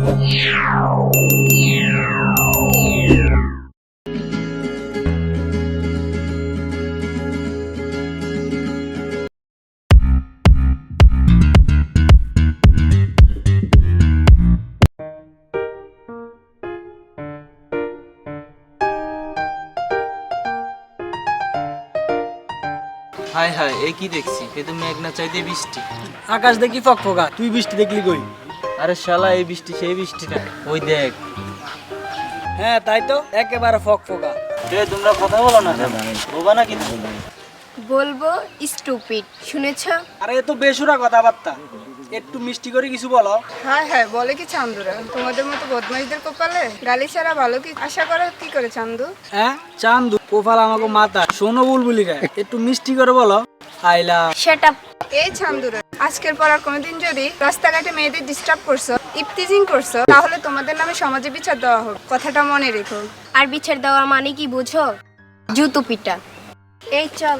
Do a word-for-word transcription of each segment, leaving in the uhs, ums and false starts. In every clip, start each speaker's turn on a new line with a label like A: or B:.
A: High high এ কি দেখছি, এ তো মেঘ না চাইতে বৃষ্টি।
B: আকাশ দেখি ফকফকা, তুই বৃষ্টি দেখলি কই?
A: আরে শালা, এই বৃষ্টি সেই বৃষ্টি না, ওই দেখ।
B: হ্যাঁ তাই তো, একেবারে ফকফকা।
A: এ তোমরা কথা বলো না কেন? বোবা না কিন্তু।
C: বলবো স্টুপিড, শুনেছ?
B: আরে এ তো বেসুরা কথাবার্তা, একটু মিষ্টি করে কিছু বলো।
D: হ্যাঁ হ্যাঁ বলে কি চান্দুরা, তোমাদের মতো বদমাইশদের কপালে গালি ছাড়া ভালো কি আশা করে কি করে চান্দু?
B: হ্যাঁ চান্দু কোপাল আমাকে মাথা, শোনো বুলবুলি গায়, একটু মিষ্টি করে বলো। আইলা
C: শাট আপ।
D: এই চান্দুরা, আজকের পর আর কোনোদিন যদি রাস্তাঘাটে মেয়েদের ডিস্টার্ব করছো, ইফতিজিং করছো, তাহলে তোমাদের নামে সমাজে বিচার দেওয়া হোক, কথাটা মনে রেখো।
C: আর বিচার দেওয়ার মানে কি বুঝো? জুতো পিটা। এই চল।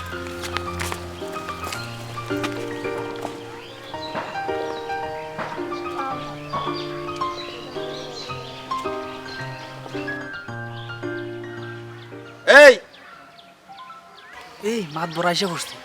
E: এই
B: এই মাত বড় এসে বসছে।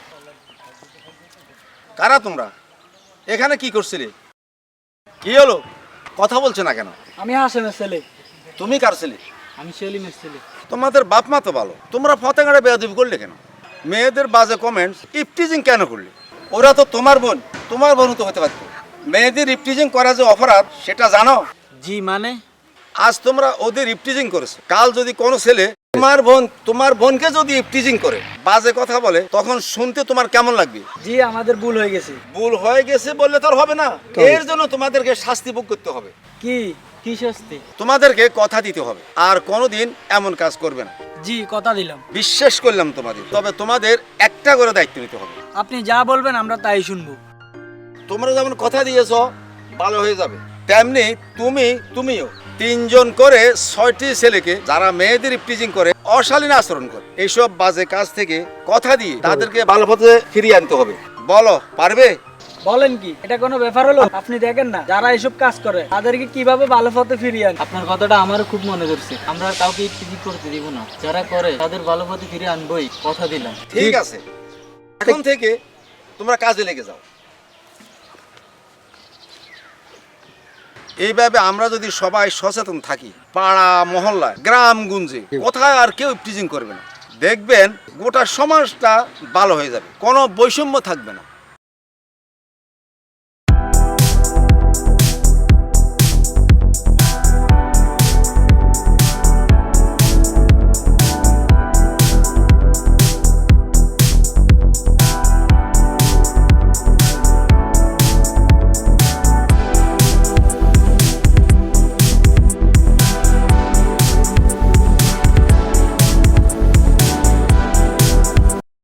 E: কারা তোমরা? এখানে কি করছিলে? কি হলো, কথা বলছো না কেন?
B: আমি হাসেমের ছেলে।
E: তুমি কার ছেলে?
B: আমি সেলিমের ছেলে।
E: তোমাদের বাপ মা তো ভালো, তোমরা ফতেঙ্গাড়ে বেয়াদবি করলে কেন? মেয়েদের বাজে কমেন্টস, ইফটিজিং কেন করলে? ওরা তো তোমার বোন, তোমার বোন তো হতে পারতো। মেয়েদের ইফটিজিং করা যে অপরাধ সেটা জানো?
B: জি মানে?
E: আজ তোমরা ওদের ইফটিজিং করেছো, কাল যদি কোনো ছেলে তোমার বোন তোমার বোনকে যদি ইফটিজিং করে, বাজে কথা বলে, তখন শুনতে তোমার কেমন লাগবে?
B: জি আমাদের ভুল হয়ে গেছে।
E: ভুল হয়ে গেছে বললে তো আর হবে না, এর জন্য তোমাদেরকে শাস্তি ভোগ করতে হবে।
B: কি কি শাস্তি?
E: তোমাদেরকে কথা দিতে হবে আর কোনোদিন এমন কাজ করবে না।
B: জি কথা দিলাম।
E: বিশ্বাস করলাম তোমাদের, তবে তোমাদের একটা করে দায়িত্ব নিতে হবে।
B: আপনি যা বলবেন আমরা তাই শুনবো।
E: তোমরা যেমন কথা দিয়েছো ভালো হয়ে যাবে, তেমনি তুমি তুমিও তিনজন করে ছয়টি ছেলেকে যারা মেয়েদের ইফটিজিং করে, অশালীন আচরণ করে, এইসব বাজে কাজ থেকে কথা দিয়ে তাদেরকে ভালো পথে ফিরিয়ে আনতে হবে। বলো, পারবে?
B: বলেন কি, এটা কোনো ব্যাপার হলো? আপনি দেখেন না যারা এসব কাজ করে তাদেরকে কিভাবে ভালো পথে ফিরিয়ে আন।
A: আপনার কথাটা আমারও খুব মনে ধরছে। আমরা কাউকে ইফতিজিং করতে দিব না, যারা করে তাদের ভালো পথে ফিরে আনবই, কথা দিলাম।
E: ঠিক আছে, এখন থেকে তোমরা কাজে লেগে যাও। এইভাবে আমরা যদি সবাই সচেতন থাকি, পাড়া মহল্লা গ্রাম গুঞ্জে কোথায় আর কেউ ইফটিজিং করবে না, দেখবেন গোটা সমাজটা ভালো হয়ে যাবে, কোনো বৈষম্য থাকবে না।